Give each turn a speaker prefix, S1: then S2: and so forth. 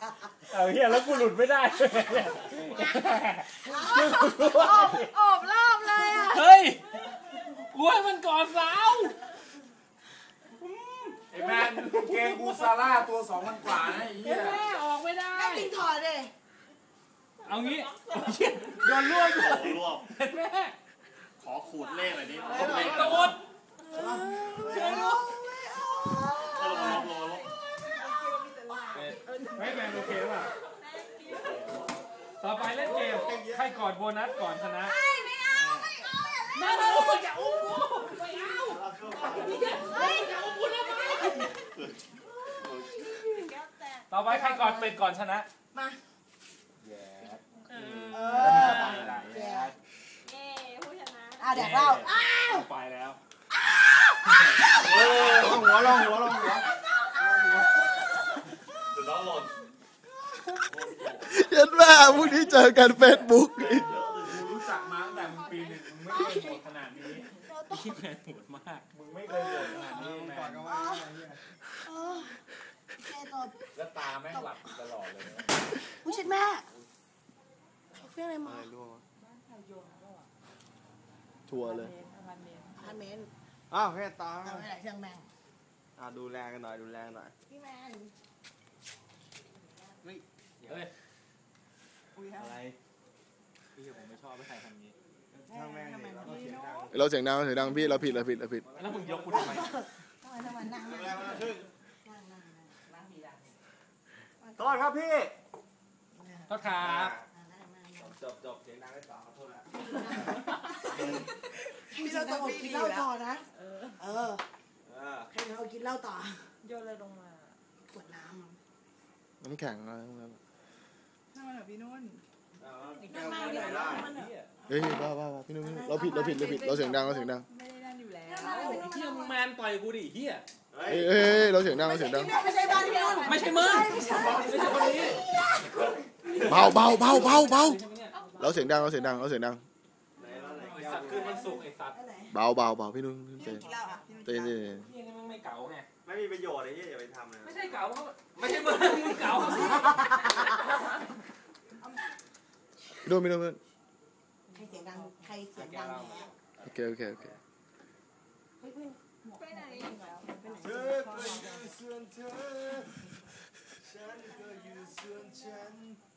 S1: เอาเฮียแล้วกูหลุดไม่ได้
S2: อบรอบเลยอ่ะ
S1: เฮ้ยกูให้มันก่อนสาว
S3: ไอ้แมนเกงกูซาร่าตัว2,000 กว่านะไอ้เหี้ย
S1: แม่ออกไม่ได้
S2: จริงถอดเลย
S1: เอางี้โดนรวบแม่
S4: ขอขูดเลขหน่อยดิ
S1: เลขตดเชื่อดูไม่แมนโอเคป่ะต่อไปเล่นเกมใครกอดโบนัสก่อนชนะ
S2: ไม่เอา
S1: อย่าอุ้มกูไม่เอาอย่าอุ้มกูเลยต่อไปใครกอดเป็ดก่อนชนะ
S2: มา
S1: แย่
S2: ผู้ชนะแดกเหล้า
S1: ไปแล้ว
S3: ลองหัว
S4: จะน้องหล่น
S5: เห็นว่าพรุ่งนี้เจอกันเฟซบุ๊ก
S1: รู้จักมาตั้งแต่มึงปี 1มึงไม่เคยโหดขนาดนี้พี่แมนโหดมากมึงไม่เคยโหดขนาดนี้แมนแล้วตาแม่งหลับตลอดเลย
S2: ผู้ชิดแม่เพื่อนอะไรมา
S5: ทัวร์เลย
S2: พันเมน
S5: อ้าวแค่ตา
S2: เอาไปไหนเชียงแมง
S5: ดูแลกันหน่อย
S2: พี่แมน
S1: อะไรพี่ผมไม่ชอบไม่ใครทำนี้
S5: เราเสียงดังพี่เราผิดแล้ว
S1: มึงยกกูทำไม
S2: นั่ง
S5: โทษครับพี่
S1: โทษครับ
S5: จบเสียงดังได้ต่อขอโทษนะ
S2: พี่เราต้องกินเหล้าต่อนะให้เรากินเหล้าต่อโยนเลยลงมาขวดน้
S5: ำแข็งอะไรพวกนั้น
S2: นั่งมาหน่อยพี่นุ่น
S5: เฮ้ยบ้าพี่นุ่นเราผิดเราเสียงดัง
S2: ไม่ได้นั่นอยู่แล้ว
S1: เฮียมึงแมนต่อยกูดิเฮีย
S5: เฮ้ยเราเสียงดัง
S2: ไม่ใช่บ้านพี่นุ่น
S1: ไม่ใช่มึงไม่ใช่คนนี้
S5: เบาเราเสียงดังไอ้
S1: สัตว์คือมันสุกไอ้สัตว์
S5: เบาพี่นุ่นเต้
S1: ไม่เก๋าไง
S4: ไม่มีประโยชน์ไอ้เหี้ยอย่าไปทำนะ
S1: ไม่ใช่เก๋าไม่ใช่มึงเก๋า
S5: พี่นุ่น
S2: ใครเสียงดังโอเคไปไหน
S3: เธอก็อยู่ส่วนเธอฉันก็อยู่ส่วนฉัน